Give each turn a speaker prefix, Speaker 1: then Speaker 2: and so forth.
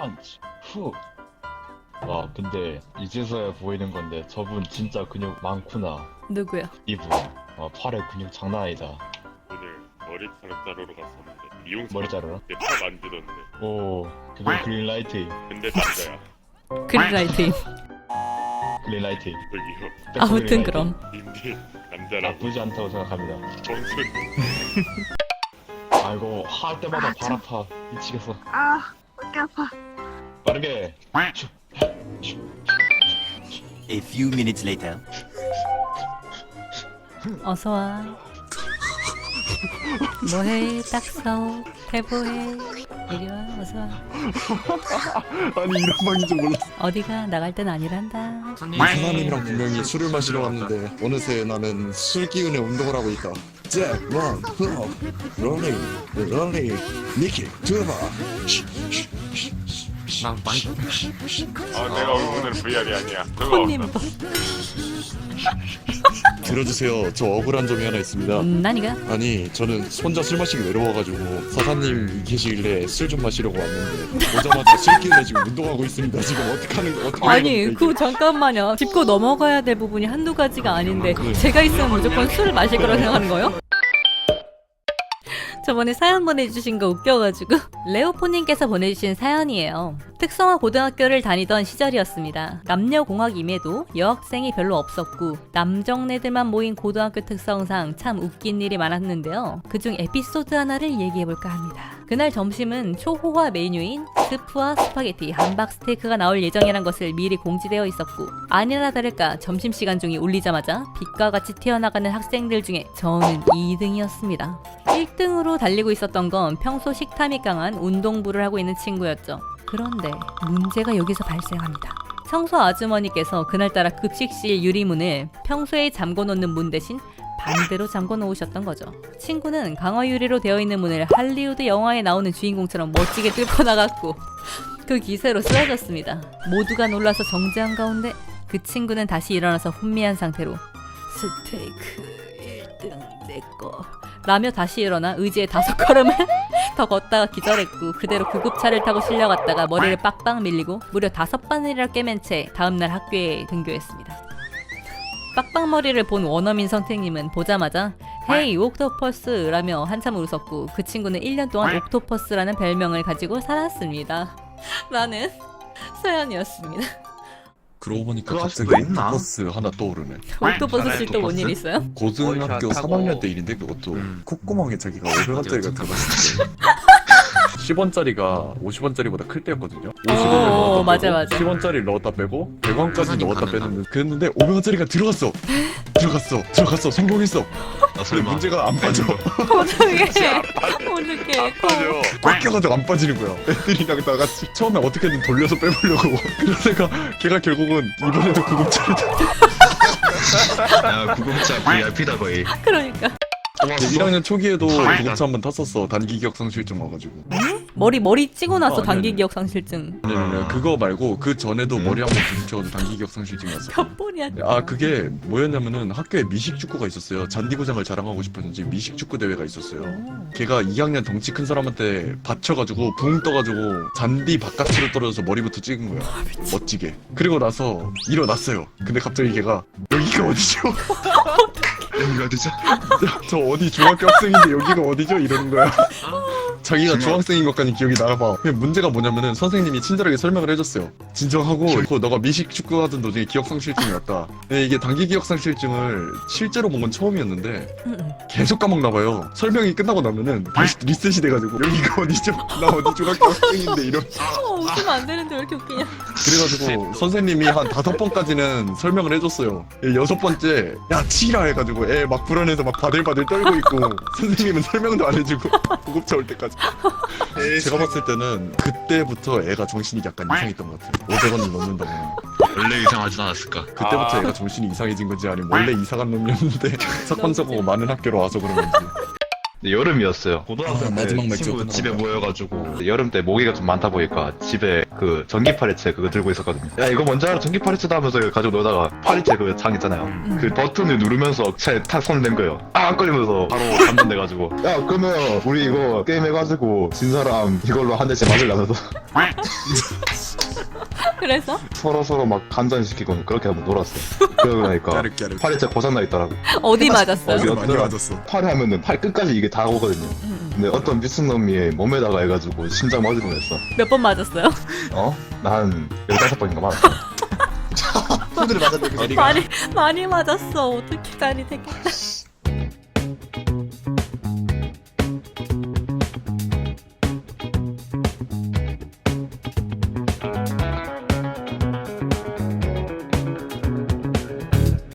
Speaker 1: 펀치 후. 와 근데 이제서야 보이는 건데 저분 진짜 근육 많구나.
Speaker 2: 누구야?
Speaker 1: 이분 팔에 근육 장난 아니다.
Speaker 3: 오늘 머리카락 자르러 갔었는데 미용사
Speaker 1: 머리 자르러?
Speaker 3: 내팔 만지던데.
Speaker 1: 오 그게 그린라이트.
Speaker 3: 근데 남자야.
Speaker 2: 그린라이트.
Speaker 1: 그린라이트.
Speaker 3: 저기요.
Speaker 2: 아무튼 그럼.
Speaker 3: 님들 남자라고.
Speaker 1: 나쁘지 않다고 생각합니다.
Speaker 3: 정순.
Speaker 1: 아이고 할 때마다 발 아파. 미치겠어.
Speaker 4: 아, 어깨 아파.
Speaker 1: 빠르게.
Speaker 5: A few minutes later.
Speaker 2: 어서 와. 뭐해? 딱서. 대보해. 이리 와. 어서 와.
Speaker 6: 아니 이런 방인 줄 몰랐어.
Speaker 2: 어디가 나갈 땐 아니란다.
Speaker 6: 사장님이랑 분명히 술을 마시러 왔는데 어느새 나는 술 기운에 운동을 하고 있다. 잭, 원, 후, 롤링, 니키, 두바.
Speaker 3: 내가 오늘 VR이 아니야. 그거
Speaker 2: 손님
Speaker 3: 없어.
Speaker 6: 들어주세요. 저 억울한 점이 하나 있습니다.
Speaker 2: 나니가?
Speaker 6: 아니 저는 혼자 술 마시기 외로워가지고 사장님 계시길래 술 좀 마시려고 왔는데 오자마자 술 기운에 지금 운동하고 있습니다. 지금 어떻게 하는 거 어떻게
Speaker 2: 아니
Speaker 6: 하는 겁니까,
Speaker 2: 그 잠깐만요. 짚고 넘어가야 될 부분이 한두 가지가 아닌데
Speaker 6: 그래.
Speaker 2: 제가 있으면 무조건 술을 마실 거라고 생각하는 거예요? 저번에 사연 보내주신 거 웃겨가지고 레오포님께서 보내주신 사연이에요. 특성화 고등학교를 다니던 시절이었습니다. 남녀공학임에도 여학생이 별로 없었고 남정네들만 모인 고등학교 특성상 참 웃긴 일이 많았는데요. 그중 에피소드 하나를 얘기해볼까 합니다. 그날 점심은 초호화 메뉴인 스프와 스파게티, 함박 스테이크가 나올 예정이란 것을 미리 공지되어 있었고 아니나 다를까 점심시간 중이 울리자마자 빛과 같이 튀어나가는 학생들 중에 저는 2등이었습니다. 1등으로 달리고 있었던 건 평소 식탐이 강한 운동부를 하고 있는 친구였죠. 그런데 문제가 여기서 발생합니다. 청소 아주머니께서 그날따라 급식실 유리문을 평소에 잠궈놓는 문 대신 반대로 잠궈 놓으셨던 거죠. 친구는 강화 유리로 되어 있는 문을 할리우드 영화에 나오는 주인공처럼 멋지게 뚫고 나갔고 그 기세로 쓰러졌습니다. 모두가 놀라서 정지한 가운데 그 친구는 다시 일어나서 혼미한 상태로 스테이크 1등 내꺼 라며 다시 일어나 의지의 5걸음을 더 걷다가 기절했고 그대로 구급차를 타고 실려갔다가 머리를 빡빡 밀리고 무려 5바늘이나 꿰맨 채 다음날 학교에 등교했습니다. 빡빡머리를 본 원어민 선생님은 보자마자 헤이 옥토퍼스 라며 한참 웃었고 그 친구는 1년 동안 옥토퍼스라는 별명을 가지고 살았습니다. 라는 사연이었습니다.
Speaker 6: 그러고 보니까
Speaker 7: 그거
Speaker 6: 갑자기
Speaker 7: 아직도 있나?
Speaker 6: 옥토퍼스 하나 떠오르네.
Speaker 2: 옥토퍼스 씨 또 뭔 일 있어요?
Speaker 6: 고등학교
Speaker 7: 원샷 하고.
Speaker 6: 3학년 때 일인데 그것도 콧구멍에 자기가 500원짜리가 들어갔을 때 10원짜리가 50원짜리보다 클 때였거든요. 50원을
Speaker 2: 오,
Speaker 6: 넣었다
Speaker 2: 맞아,
Speaker 6: 빼고
Speaker 2: 맞아.
Speaker 6: 10원짜리를 넣었다 빼고 100원까지
Speaker 7: 계산이
Speaker 6: 넣었다
Speaker 7: 가능하다.
Speaker 6: 뺐는데 그랬는데 500원짜리가 들어갔어 성공했어. 근데
Speaker 7: 설마.
Speaker 6: 문제가 안 빠져.
Speaker 2: 어떡해 어떡해
Speaker 6: 꽉 껴가지고 안 빠지는 거야. 애들이랑 다 같이 처음에 어떻게든 돌려서 빼보려고 그러다가 걔가 결국은 이번에도 구급차를
Speaker 7: 야 구급차 VIP다 거의.
Speaker 2: 그러니까
Speaker 6: 1학년 초기에도
Speaker 7: 다행이다.
Speaker 6: 구급차 한 번 탔었어. 단기 기억상실증 와가지고.
Speaker 2: 머리 찌고 나서
Speaker 6: 아니,
Speaker 2: 단기
Speaker 6: 아니.
Speaker 2: 기억 상실증
Speaker 6: 아니, 그거 말고 그 전에도 머리 한 번 부딪혀가지고 단기 기억상실증이 왔어.
Speaker 2: 몇 번이야
Speaker 6: 아 그게 뭐였냐면은 학교에 미식축구가 있었어요. 잔디구장을 자랑하고 싶었는지 미식축구 대회가 있었어요. 걔가 2학년 덩치 큰 사람한테 받쳐가지고 붕 떠가지고 잔디 바깥으로 떨어져서 머리부터 찍은 거야. 멋지게. 그리고 나서 일어났어요. 근데 갑자기 걔가 여기가 어디죠?
Speaker 7: 여기가 어디죠?
Speaker 6: 저 어디 중학교 학생인데 여기가 어디죠? 이러는 거야. 자기가 중학생인 것까지 기억이 나봐. 근데 문제가 뭐냐면은 선생님이 친절하게 설명을 해줬어요. 진정하고 너가 미식 축구하던 도중에 기억상실증이 왔다. 근데 이게 단기 기억상실증을 실제로 본 건 처음이었는데 계속 까먹나봐요. 설명이 끝나고 나면은 다시 리셋이 돼가지고 여기가 어디죠? 나 어디 중학교 학생인데 이런.
Speaker 2: 웃으면 안 되는데 왜 이렇게 웃기냐
Speaker 6: 그래가지고 선생님이 한 5번까지는 설명을 해줬어요. 6번째 야 치라 해가지고 애 막 불안해서 막 바들바들 떨고 있고 선생님은 설명도 안 해주고 구급차 올 때까지. 제가 봤을 때는 그때부터 애가 정신이 약간 이상했던 것 같아요. 500원을 넣는다고.
Speaker 7: 원래 이상하진 않았을까?
Speaker 6: 그때부터 애가 정신이 이상해진 건지 아니면 원래 이상한 놈이었는데 사건 사고가 많은 학교로 와서 그런 건지.
Speaker 1: 여름이었어요. 고등학생 때
Speaker 6: 마지막
Speaker 1: 친구
Speaker 6: 맥주였구나.
Speaker 1: 집에 모여가지고 여름 때 모기가 좀 많다 보니까 집에 그 전기 파리채 그거 들고 있었거든요. 야 이거 뭔지 알아? 전기 파리채다 하면서 가지고 놀다가 파리채 그 장 있잖아요. 그 버튼을 누르면서 차에 탁 손댄 거예요. 안 걸리면서 바로 감전돼가지고 야 그러면 우리 이거 게임 해가지고 진 사람 이걸로 한 대씩 맞으려면서
Speaker 2: 그래서
Speaker 1: 서로 막 감전시키고 그렇게 한번 놀았어요. 그러고 나니까
Speaker 6: 까르까르.
Speaker 1: 파리채 고장나 있더라고.
Speaker 2: 어디 맞았어요?
Speaker 1: 어디
Speaker 6: 많이 맞았어.
Speaker 1: 팔이 하면은 팔 끝까지 이게 다 오거든요. 근데 어떤 미친놈이 몸에다가 해가지고 심장 맞을 뻔했어.
Speaker 2: 몇 번 맞았어요?
Speaker 1: 어? 난 15번인가 맞았어.
Speaker 5: 손을 맞았는데
Speaker 2: 많이 맞았어. 어떻게 다리 되겠다.